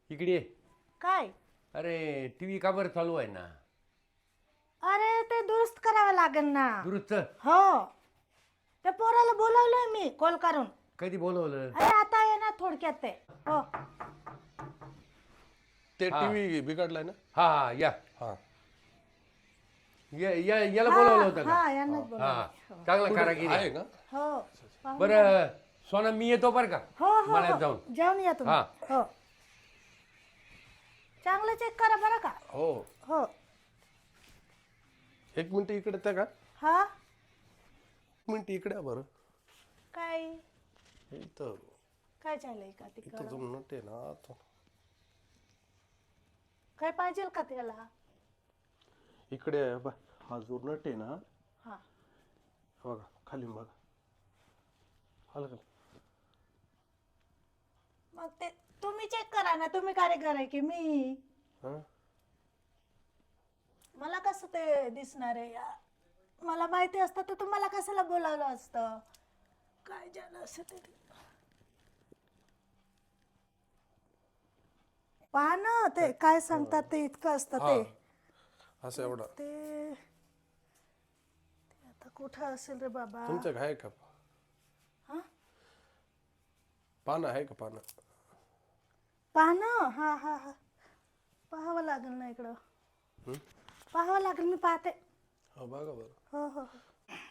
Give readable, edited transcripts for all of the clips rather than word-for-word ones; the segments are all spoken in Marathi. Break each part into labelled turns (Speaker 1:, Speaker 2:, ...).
Speaker 1: इकडे ये.
Speaker 2: काय?
Speaker 1: अरे टीव्ही का बरं चालू आहे ना?
Speaker 2: अरे ते दुरुस्त करावं लागेल ना.
Speaker 1: दुरुस्त
Speaker 2: हो, त्या पोराला बोलावलंय मी कॉल करून.
Speaker 1: कधी बोलवलं?
Speaker 2: अरे आता आहे ना थोडक्यात ते. हो
Speaker 3: ते
Speaker 1: हा.
Speaker 3: टीव्ही बिघडलाय ना.
Speaker 1: हा हा या
Speaker 3: हा
Speaker 1: याला बोलवलं होतं का?
Speaker 2: हा यांनाच
Speaker 1: हा
Speaker 2: बोलावलं.
Speaker 1: चांगला कारागीर
Speaker 3: आहे
Speaker 1: आहे.
Speaker 3: का?
Speaker 2: हो पाहू.
Speaker 1: बरं सोना मी येतो बरं का
Speaker 2: हो हो
Speaker 1: मला
Speaker 2: हो.
Speaker 1: जाऊन.
Speaker 2: जेवण या तुम्ही.
Speaker 1: हा.
Speaker 2: हो चांगलं चेक करा बरं का.
Speaker 3: हो
Speaker 2: हो.
Speaker 3: एक मिनिट इकडे त्या का
Speaker 2: हा
Speaker 3: एक मिनिट इकडे या बरं.
Speaker 2: काय
Speaker 3: इथं
Speaker 2: काय चाललंय का
Speaker 3: इथं
Speaker 2: तिकडं?
Speaker 3: जो नट आहे ना तो
Speaker 2: काय पाहिजे का त्याला?
Speaker 3: इकडे आहे बा. हा जो नट आहे ना
Speaker 2: हा
Speaker 3: बघा खाली बघा. आलं का?
Speaker 2: मग ते तुम्ही चेक करा ना. तुम्ही कारीगर आहे की मी?
Speaker 3: हा
Speaker 2: मला कसं ते दिसणार आहे या? मला माहिती असतं तर तुम्हाला कशाला बोलावलं असतं. काय झालं असं ते पहा ना. ते काय सांगतात ते इतकं असतं ते.
Speaker 3: असं एवढा
Speaker 2: ते आता कुठं असेल रे बाबा?
Speaker 3: तुमचं आहे का?
Speaker 2: हा
Speaker 3: पानं आहे का पानं?
Speaker 2: पहा ना. हा हा हा पाहावं लागेल ना इकडं. पाहावं लागेल. मी पाहते.
Speaker 3: हो बघा बरं.
Speaker 2: हो हो हो.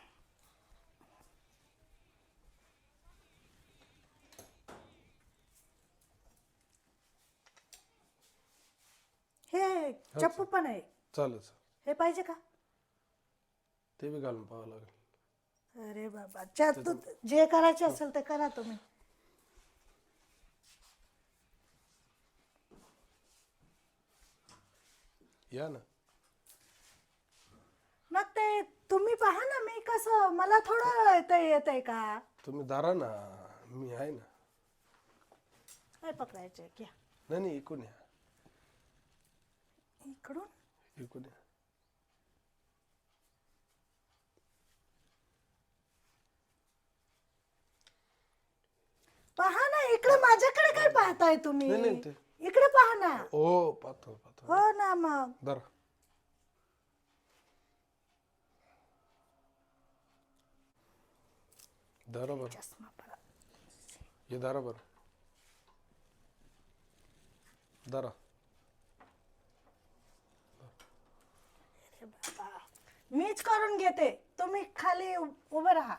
Speaker 2: हे चप्पू पण आहे.
Speaker 3: चालेल चालेल.
Speaker 2: हे पाहिजे का?
Speaker 3: ते बी घालून पाहावं लागेल.
Speaker 2: अरे बाबा तू जे करायचे असेल ते करा तुम्ही.
Speaker 3: या ना.
Speaker 2: मग ते तुम्ही पहा ना. मी कसं मला थोडं ते येत आहे का?
Speaker 3: तुम्ही दारा ना. मी आहे ना.
Speaker 2: काय पकडायचे घ्या
Speaker 3: नाही नाही इकून या.
Speaker 2: इकडून.
Speaker 3: इकून या.
Speaker 2: पहा ना इकडे. माझ्याकडे काय पाहताय तुम्ही?
Speaker 3: नाही, नाही, ते-
Speaker 2: इकडे पहा ना.
Speaker 3: ओ पाहतो पाहतो.
Speaker 2: हो ना मग.
Speaker 3: दारा दारा बरं.
Speaker 2: चष्मा परा.
Speaker 3: हे दारा बरं. दारा
Speaker 2: अरे बाबा मीच करून घेते. तुम्ही खाली उभं राहा.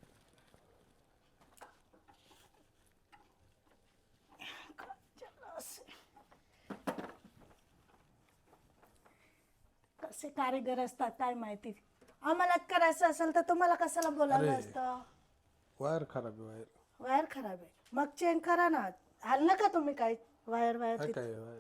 Speaker 2: कसे कारीगर असतात काय माहिती. आम्हाला करायचं असेल तर तुम्हाला कशाला बोलावलं
Speaker 3: अरे.
Speaker 2: असतं?
Speaker 3: वायर खराब आहे वायर.
Speaker 2: वायर खराब आहे. मग चेंज करा ना. हल्लं का तुम्ही काय वायर वायर
Speaker 3: काय
Speaker 2: तिथे?
Speaker 3: काय वायर.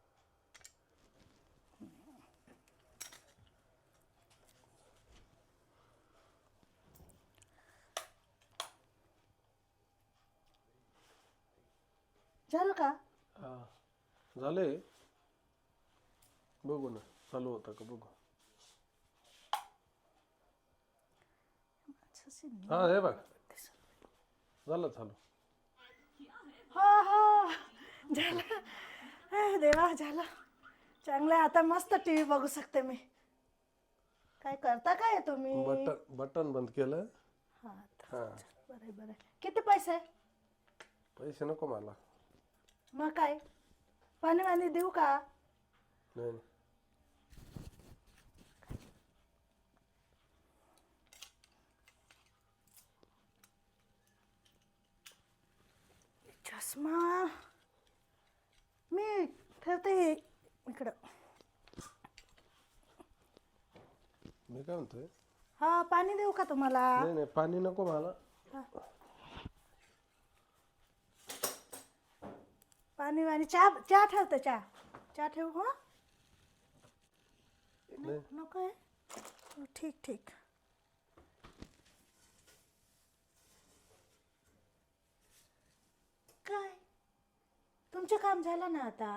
Speaker 2: झालं का?
Speaker 3: हा झाले. बघू ना चालू होता का बघू. हा हे बघ झालं चालू.
Speaker 2: हो हो झालं. देवा झालं. चांगलं आहे. आता मस्त टीव्ही बघू शकते मी. काय करता काय तुम्ही?
Speaker 3: बटन बटन बंद केलं.
Speaker 2: हा
Speaker 3: हा
Speaker 2: बरं बरं. किती पैसे?
Speaker 3: पैसे नको मला.
Speaker 2: मग काय पाणी वाणी देऊ का?
Speaker 3: नाही नाही.
Speaker 2: चष्मा मी ठेवते इकडं.
Speaker 3: मी काय म्हणतोय.
Speaker 2: हा पाणी देऊ का तुम्हाला?
Speaker 3: नाही नाही पाणी नको मला.
Speaker 2: पाणी वाणी चहा चहा ठेवते. चहा ठेवू. हो
Speaker 3: नाही
Speaker 2: नको आहे. हो, ठीक ठीक. काय तुमचं काम झालं ना आता?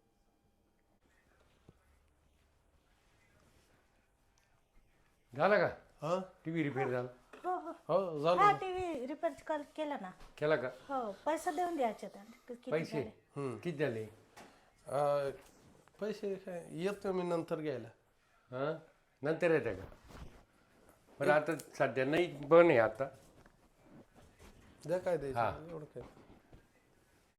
Speaker 1: झालं का?
Speaker 3: हा
Speaker 1: टीव्ही रिपेअर झाला?
Speaker 2: हो हो
Speaker 3: हो झालं
Speaker 2: हा
Speaker 3: ना.
Speaker 2: टीव्ही रिपेअर केला ना.
Speaker 1: केला का?
Speaker 2: हो पैसे देऊन द्यायचे त्यांना. किती
Speaker 1: पैसे
Speaker 2: झाले?
Speaker 1: किती झाले?
Speaker 3: पैसे काय येतो मी नंतर घ्यायला.
Speaker 1: हां नंतर येते का? बरं आता सध्या नाही पण आहे आता.
Speaker 3: द्या काय
Speaker 1: हा.
Speaker 3: द्यायचं एवढं काय.